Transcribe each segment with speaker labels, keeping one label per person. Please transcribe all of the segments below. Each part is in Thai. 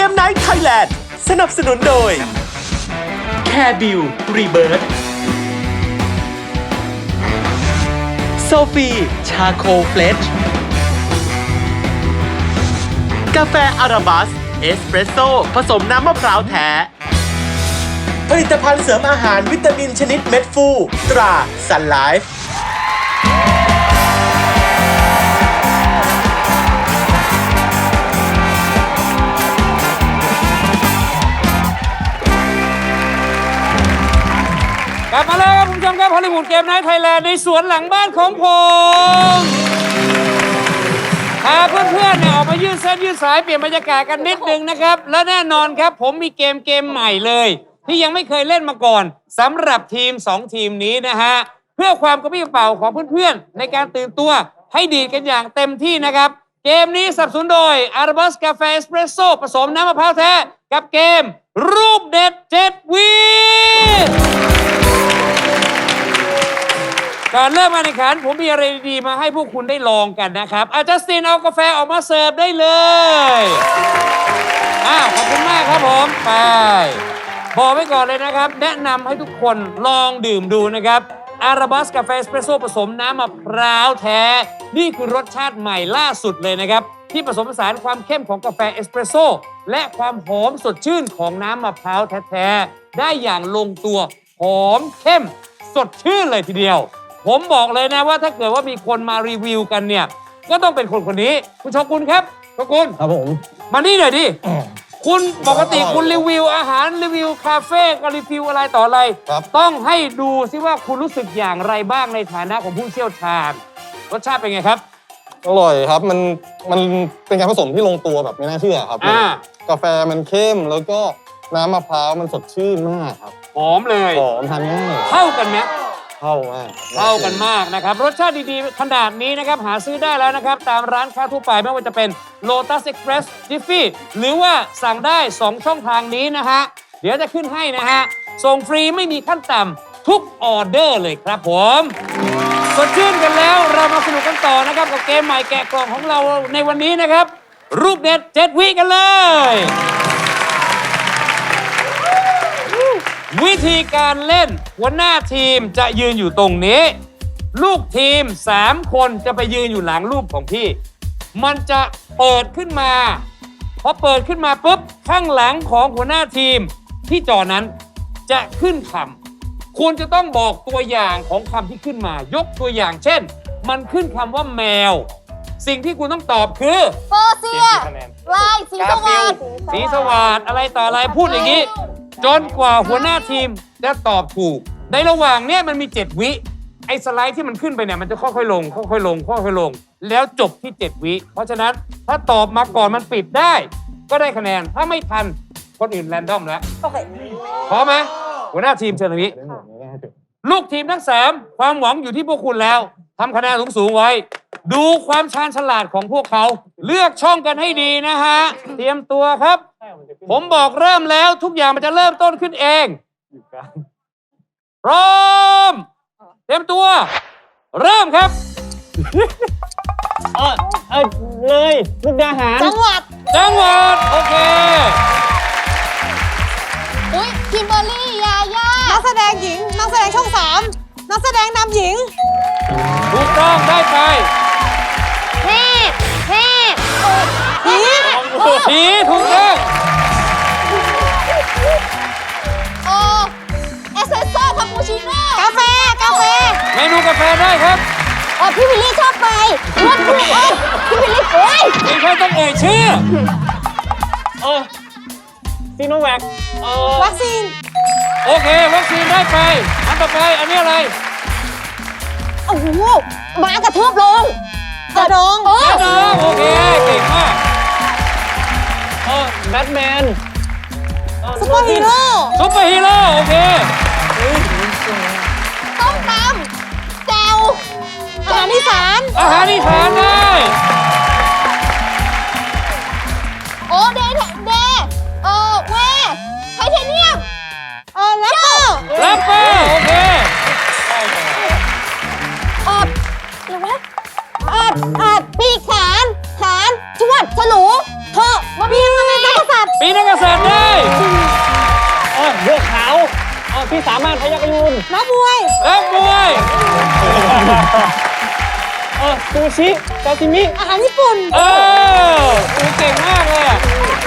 Speaker 1: มไนท์ไทยแลนด์สนับสนุนโดย Care Bill Rebirth โซฟีชาโคเฟลชกาแฟอาราบัสเอสเปรสโซ่ผสมน้ำมะพร้าวแท้ผลิตภัณฑ์เสริมอาหารวิตามินชนิดเม็ดฟูตราซันไลฟ์
Speaker 2: กลับมาแล้วครับคุณผู้ชมครับฮอลลีวูดเกมไนท์ไทยแลนด์ในสวนหลังบ้านของผมพาเพื่อนๆเนี่ยออกมายืดเส้นยืดสายเปลี่ยนบรรยากาศกันนิดนึงนะครับและแน่นอนครับผมมีเกมใหม่เลยที่ยังไม่เคยเล่นมาก่อนสำหรับทีม2ทีมนี้นะฮะเพื่อความกระปรี้กระเป๋าของเพื่อนๆในการตื่นตัวให้ดีดกันอย่างเต็มที่นะครับเกมนี้สนับสนุนโดยอาราบัสกาแฟเอสเปรสโซ่ผสมน้ำมะพร้าวแท้กับเกมรูปเด็ด7 วิก่อนเริ่มการแข่งขันผมมีอะไรดีๆมาให้พวกคุณได้ลองกันนะครับจัสตินเอากาแฟออกมาเสิร์ฟได้เลยขอบคุณมากครับผมไปบอกไว้ก่อนเลยนะครับแนะนำให้ทุกคนลองดื่มดูนะครับอาราบัสกาแฟเอสเปรสโซ่ผสมน้ำมะพร้าวแท้นี่คือรสชาติใหม่ล่าสุดเลยนะครับที่ผสมผสานความเข้มของกาแฟเอสเปรสโซ่และความหอมสดชื่นของน้ำมะพร้าวแท้ๆได้อย่างลงตัวหอมเข้มสดชื่นเลยทีเดียวผมบอกเลยนะว่าถ้าเกิดว่ามีคนมารีวิวกันเนี่ยก็ต้องเป็นคนนี้คุณโชกุนครับโชกุน
Speaker 3: ครับผม
Speaker 2: มานี่หน่อยดิคุณปกติคุณรีวิวอาหารรีวิวคาเฟ่ก็รีวิวอะไรต่ออะไรต้องให้ดูซิว่าคุณรู้สึกอย่างไรบ้างในฐานะของผู้เชี่ยวชาญรสชาติเป็นไงครับ
Speaker 3: อร่อยครับมันเป็นการผสมที่ลงตัวแบบไม่น่าเชื่อครับกาแฟมันเข้มแล้วก็น้ำมะพร้าวมันสดชื่นมากครับ
Speaker 2: หอมเลย
Speaker 3: หอมทานง่าย
Speaker 2: เข้ากันไหม
Speaker 3: เข้ามาก
Speaker 2: เข้ากันมากนะครับรสชาติดีๆขนาดนี้นะครับหาซื้อได้แล้วนะครับตามร้านค้าทั่วไปไม่ว่าจะเป็น Lotus Express Jiffy หรือว่าสั่งได้2ช่องทางนี้นะฮะเดี๋ยวจะขึ้นให้นะฮะส่งฟรีไม่มีขั้นต่ำทุกออเดอร์เลยครับผมสดชื่นกันแล้วเรามาสนุกกันต่อนะครับกับเกมใหม่แกะกล่องของเราในวันนี้นะครับรูปเด็ด7 วิกันเลยวิธีการเล่นหัวหน้าทีมจะยืนอยู่ตรงนี้ลูกทีม3คนจะไปยืนอยู่หลังรูปของพี่มันจะเปิดขึ้นมาพอเปิดขึ้นมาปุ๊บข้างหลังของหัวหน้าทีมที่จอนั้นจะขึ้นคำคุณจะต้องบอกตัวอย่างของคำที่ขึ้นมายกตัวอย่างเช่นมันขึ้นคำว่าแมวสิ่งที่คุณต้องตอบคือ
Speaker 4: เปอร์เซียลายสีสวัสดิ์
Speaker 2: สีสวัสดิ์อะไรต่ออะไรพูดอย่างนี้จนกว่าหัวหน้าทีมจะตอบถูกในระหว่างเนี้ยมันมี7 วิไอ้สไลด์ที่มันขึ้นไปเนี่ยมันจะค่อยๆลงค่อยๆลงค่อยๆลงแล้วจบที่7 วิเพราะฉะนั้นถ้าตอบมาก่อนมันปิดได้ก็ได้คะแนนถ้าไม่ทันคนอื่นแรนดอมแล้ว
Speaker 4: โอเค
Speaker 2: พร้อมไหมหัวหน้าทีมเชิญตรงนี้ลูกทีมทั้ง3ความหวังอยู่ที่พวกคุณแล้วทำคะแนนสูงๆไว้ดูความชาญฉลาดของพวกเขาเลือกช่องกันให้ดีนะฮะเตรียมตัวครับผมบอกเริ่มแล้วทุกอย่างมันจะเริ่มต้นขึ้นเองพร้อมเตรียมตัวเริ่มครับ
Speaker 3: เลยมุกดาหาร
Speaker 4: จังหวัด
Speaker 2: โอเค
Speaker 4: อุ้ยคิมเบอร์รี่ยาย่านักแสดงหญิงนักแสดงช่อง3นักแสดงนำหญิง
Speaker 2: ถูกต้องได้ไป
Speaker 4: เทพ
Speaker 2: ผีถูกต้อง
Speaker 4: เอสเปรสโซ่คาปูชิโน่กาแฟ
Speaker 2: เมนูกาแฟได้ครับ
Speaker 4: พี่วิลลี่ชอบไปรถพี่วิลลี่
Speaker 2: ไม่ค่อยต้องเอ่ยชื่อ
Speaker 3: ซีโนแวค
Speaker 4: วัคซีน
Speaker 2: โอเควัคซีนได้ไปอันต่อไปอันนี้อะไร
Speaker 4: โอ้โหหมากระทืบลงกระดอง
Speaker 2: โอเคเก่งมาก
Speaker 3: แบทแมน
Speaker 4: ซุปเปอร์ฮีโร่
Speaker 2: โอเค
Speaker 4: ต้มตำแจ่วอาหารอีสาน
Speaker 2: ได้
Speaker 4: เดเวไทเทเนียม
Speaker 2: แรปเปอร์โอเค
Speaker 4: อะไรวะปีกขานชวดฉลูเถอะมาปีนักษัตริย์
Speaker 2: ปีนัเสิร์ฟได้
Speaker 5: บัวขาวพี่สามารถพยัคฆ์ยูน
Speaker 4: นักมวย
Speaker 2: นักมวย
Speaker 5: ซูชิซาซิมิ
Speaker 4: อาหารญี่ปุ่น
Speaker 2: คุณเก่งมากเลยอะ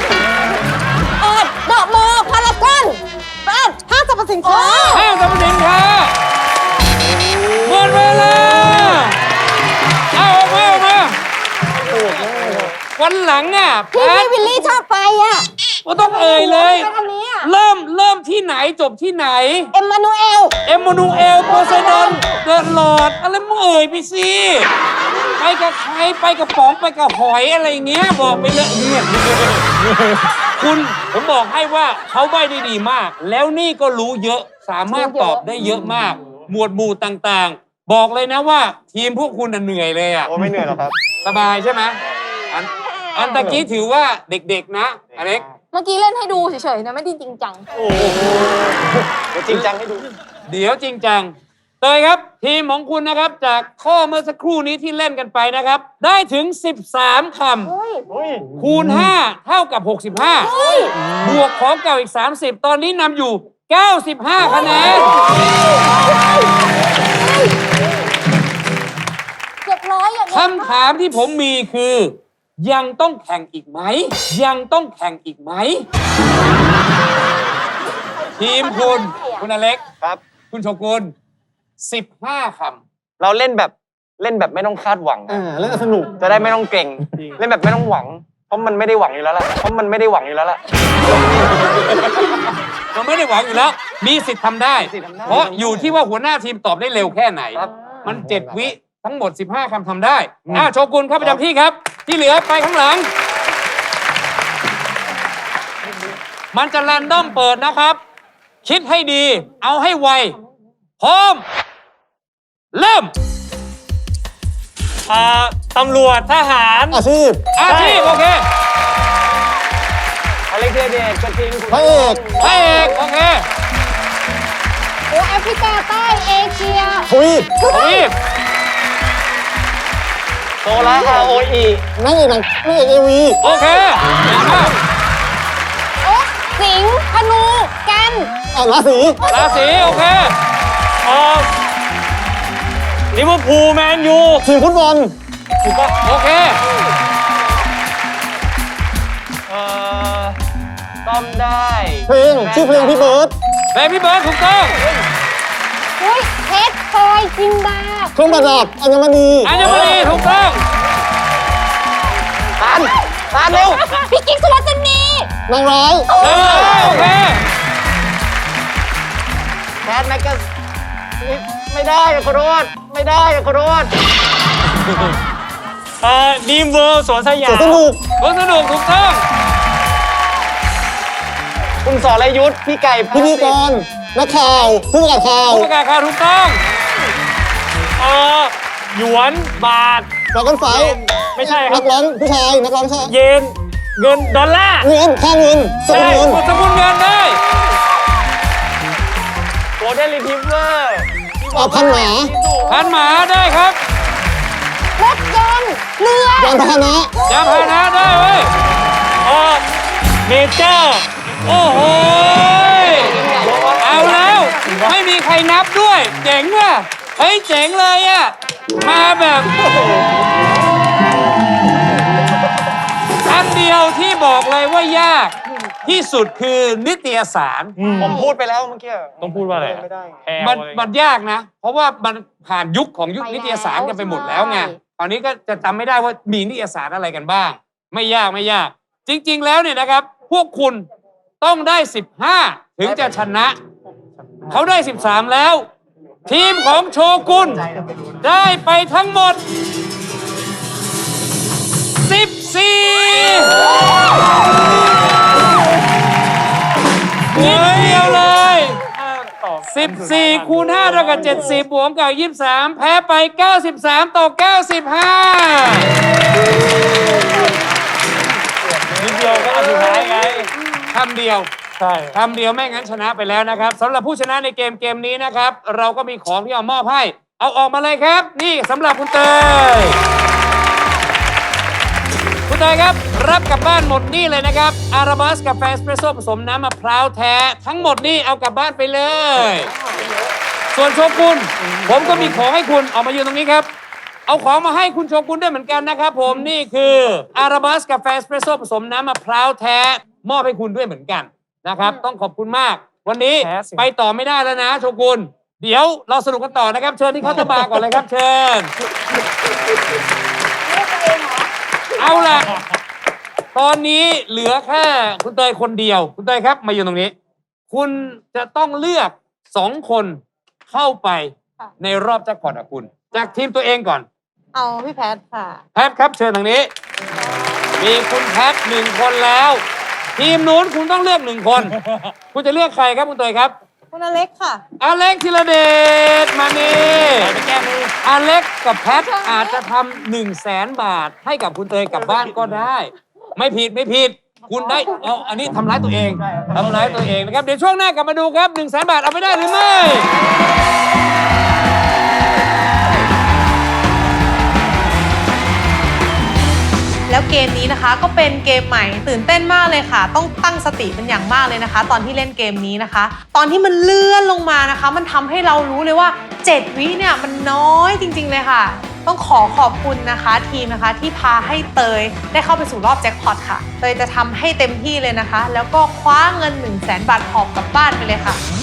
Speaker 4: ดอกโมพารากอนบ้านห้างสรรพสินค้า
Speaker 2: ห้างสรรพสินค้าหมดเวลาเอาออกมาวันหลังอ่ะ
Speaker 4: ที่พี่วิลลี่ชอบไปอ่ะ
Speaker 2: ก็ต้องเอ่ยเลย
Speaker 4: ไปทางนี้อ่ะ
Speaker 2: เริ่มที่ไหนจบที่ไหน
Speaker 4: เอ็มมานูเอล
Speaker 2: เอ็มมานูเอลโพไซดอนเดอะลอร์ดอะไรมึงเอ่ยไปสิไปกับใครไปกับป๋องไปกับหอยอะไรเงี้ยบอกไปเลยเนี่ยคุณผมบอกให้ว่าเขาใบ้ได้ดีมาก แล้วนี่ก็รู้เยอะสามารถตอบได้เยอะมาก หมวดหมู่ต่างๆ บอกเลยนะว่าทีมพวกคุณน่ะเหนื่อยเลยอ่ะ
Speaker 3: โอ้ไม่เหนื่อยหรอกครับ
Speaker 2: สบายใช่ไหมอันตะกี้ถือว่าเด็กๆนะอเล็ก
Speaker 4: เมื่อกี้เล่นให้ดูเฉยๆนะไม่ได้จริงจัง
Speaker 5: จริงจังให้ดู
Speaker 2: เดี๋ยวจริงจังเตยครับ ทีมของคุณนะครับ จากข้อเมื่อสักครู่นี้ที่เล่นกันไปนะครับ ได้ถึง 13 คำ คูณ 5 เท่ากับ 65 บวกของเก่าอีก 30 ตอนนี้นำอยู่ 95 คะแนน
Speaker 4: เกือบร้อยอย่างนี้
Speaker 2: คำถามที่ผมมีคือ ยังต้องแข่งอีกไหม ยังต้องแข่งอีกไหม ทีมคุณอเล็ก
Speaker 5: ครับ
Speaker 2: คุณโชกุล15 คำ
Speaker 5: เราเล่นแบบไม่ต้องคาดหวัง
Speaker 3: เล่นสนุก
Speaker 5: จะได้ไม่ต้องเก่ง เล่นแบบไม่ต้องหวัง เพราะมันไม่ได้หวังอยู่แล้วล่ะ
Speaker 2: มันไม่ได้หวังอยู่แล้ว มีสิทธิ์ทำได้ เพราะอยู่ที่ว่าหัวหน้าทีมตอบได้เร็วแค่ไหน มัน 7 วิทั้งหมด 15 คำทำได้โชกุนเข้าประจำที่ครับ ที่เหลือไปข้างหลัง มันจะแรนดอมเปิดนะครับ คิดให้ดี เอาให้ไว พร้อม เริ่ม
Speaker 5: ตำรวจทหาร
Speaker 3: อาชีพ
Speaker 2: อาชีพโอเค
Speaker 5: อะไรเดชกระทิง
Speaker 3: พระเอก
Speaker 2: พระเอกโอเค
Speaker 4: โอ้แอฟริกาใต้เอเชีย
Speaker 3: ทวีป
Speaker 2: ทวีป
Speaker 5: โซล่า ROE
Speaker 3: นางเอกเอวี
Speaker 2: โอเคเก่งมาก
Speaker 4: โอ๊ะสิงห์ธนูแกน
Speaker 3: ราศี
Speaker 2: ราศีโอเค
Speaker 5: ลิเวอร์พูลแมนยู
Speaker 3: ทีมฟุตบอล
Speaker 2: โอเค
Speaker 5: ต้อมได้
Speaker 3: เพลงชื่อเพลงพี่เบิร์ด
Speaker 2: เบบี้เบิร์ดถูกต้อง
Speaker 4: อุ้ยเพชรพลอยจินดา
Speaker 3: เครื่องประดับอัญมณี
Speaker 2: อัญมณีถูกต้อง
Speaker 5: ตานเร็ว
Speaker 4: พี่กิ๊กสุวรรณี
Speaker 3: นางร้าย
Speaker 2: โอเค
Speaker 5: แคทแม็กซ์ไม่ได้ขอโทษไม่ได้ขอโทษดีมเวิร์สวนสยา
Speaker 3: ส
Speaker 5: ม
Speaker 3: นุก
Speaker 2: รถสนุกถูกต้อง
Speaker 5: คุณสรยุทธพี่ไก่
Speaker 3: พิธีกรนักข่าวผู้ประกาศข่าว
Speaker 2: ผู้ประกาศข่าวถูกต้อง
Speaker 5: หยวนบาท
Speaker 3: ดอกกันไฟ
Speaker 5: ไม่ใช่ครั
Speaker 3: นั
Speaker 5: บ
Speaker 3: กร้องผู้ชายนักร้องชาย
Speaker 5: เยนเงินดอลลาร์
Speaker 3: เงินค่าเงินสกุลเงิน
Speaker 2: กดสกุลเงินได้
Speaker 5: โกลเด้นรีทิฟเวอร์
Speaker 3: พันหมา
Speaker 2: พันหมาได้ครับ
Speaker 4: รถยนต์เรือย
Speaker 3: านพาหนะ
Speaker 2: ยานพาหนะได้เว้ย
Speaker 5: เมเจอร์
Speaker 2: โอ้โหเอาแล้ว ไม่มีใครนับด้วย เจ๋งว่ะเฮ้ยเจ๋งเลยอ่ะ มาแบบอันเดียวที่บอกเลยว่ายากที่สุดคือนิตยสาร
Speaker 5: ผมพูดไปแล้วเมื่อกี้ต้องพูดว่าอะไรไม่ได้
Speaker 2: มันยากนะ เพราะว่ามันผ่านยุคของยุคนิตยสารกันไปหมดแล้วไงตอนนี้ก็จะจำไม่ได้ว่ามีนิตยสารอะไรกันบ้าง ไม่ยากไม่ยาก จริง ๆ แล้วเนี่ยนะครับ พวกคุณต้องได้ 15 ถึงจะชนะ เขาได้ 13 แล้ว ทีมของโชกุนได้ไปทั้งหมด 14 นิดเดียวเลย 14 คูณ 5 เท่ากับ 70 บวกกับ 23 แพ้ไป 93 ต่อ 95
Speaker 5: นิดเดียวก็อันสุดท้ายไง
Speaker 2: คำเดียว
Speaker 5: ใช่
Speaker 2: คำเดียวไม่งั้นชนะไปแล้วนะครับสำหรับผู้ชนะในเกมนี้นะครับ เราก็มีของที่เอามอบให้ เอาออกมาเลยครับ นี่สำหรับคุณเตยคุณเตเตยครับรับกลับบ้านหมดนี่เลยนะครับอาราบัสกาแฟเอสเปรสโซ่ผสมน้ำมะพร้าวแท้ทั้งหมดนี่เอากลับบ้านไปเลย ส่วนโชกุนผมก็มีของให้คุณออกมายืนตรงนี้ครับเอาของมาให้คุณโชกุนด้วยเหมือนกันนะครับผมนี่คืออาราบัสกาแฟเอสเปรสโซ่ผสมน้ำมะพร้าวแท้มอบให้คุณด้วยเหมือนกันนะครับต้องขอบคุณมากวันนี้ไปต่อไม่ได้แล้วนะโชกุนเดี๋ยวเราสนุกกันต่อนะครับเชิญที่เคาน์เตอร์บาร์ก่อนเลยครับเชิญเอาล่ะตอนนี้เหลือแค่คุณเตยคนเดียวคุณเตยครับมาอยู่ตรงนี้คุณจะต้องเลือก2 คนเข้าไปในรอบแจ็คพอตกับคุณจากทีมตัวเองก่อน
Speaker 4: เอาพี่แพทค่ะ
Speaker 2: แพทครับเชิญทางนี้มีคุณแพท1 คนแล้วทีมนู้นคุณต้องเลือก1 คนคุณจะเลือกใครครับคุณเตยครับ
Speaker 4: คุณอเล็กค่ะ
Speaker 2: อเล็กธีรเดชมานี่ไปแก้มืออเล็กกับแพทอาจจะทำ100,000 บาทให้กับคุณเตยกลับบ้านก็ได้ไม่ผิดคุณได้เอาอันนี้ทำร้ายตัวเองนะครับเดี๋ยวช่วงหน้ากลับมาดูครับ100,000 บาทเอาไปได้หรือไม่
Speaker 4: แล้วเกมนี้นะคะก็เป็นเกมใหม่ตื่นเต้นมากเลยค่ะต้องตั้งสติเป็นอย่างมากเลยนะคะตอนที่เล่นเกมนี้นะคะตอนที่มันเลื่อนลงมานะคะมันทำให้เรารู้เลยว่า7 วิเนี่ยมันน้อยจริงๆเลยค่ะต้องขอบคุณนะคะทีมนะคะที่พาให้เตยได้เข้าไปสู่รอบแจ็คพอตค่ะเตยจะทำให้เต็มที่เลยนะคะแล้วก็คว้าเงิน100,000 บาทหอบกลับบ้านไปเลยค่ะ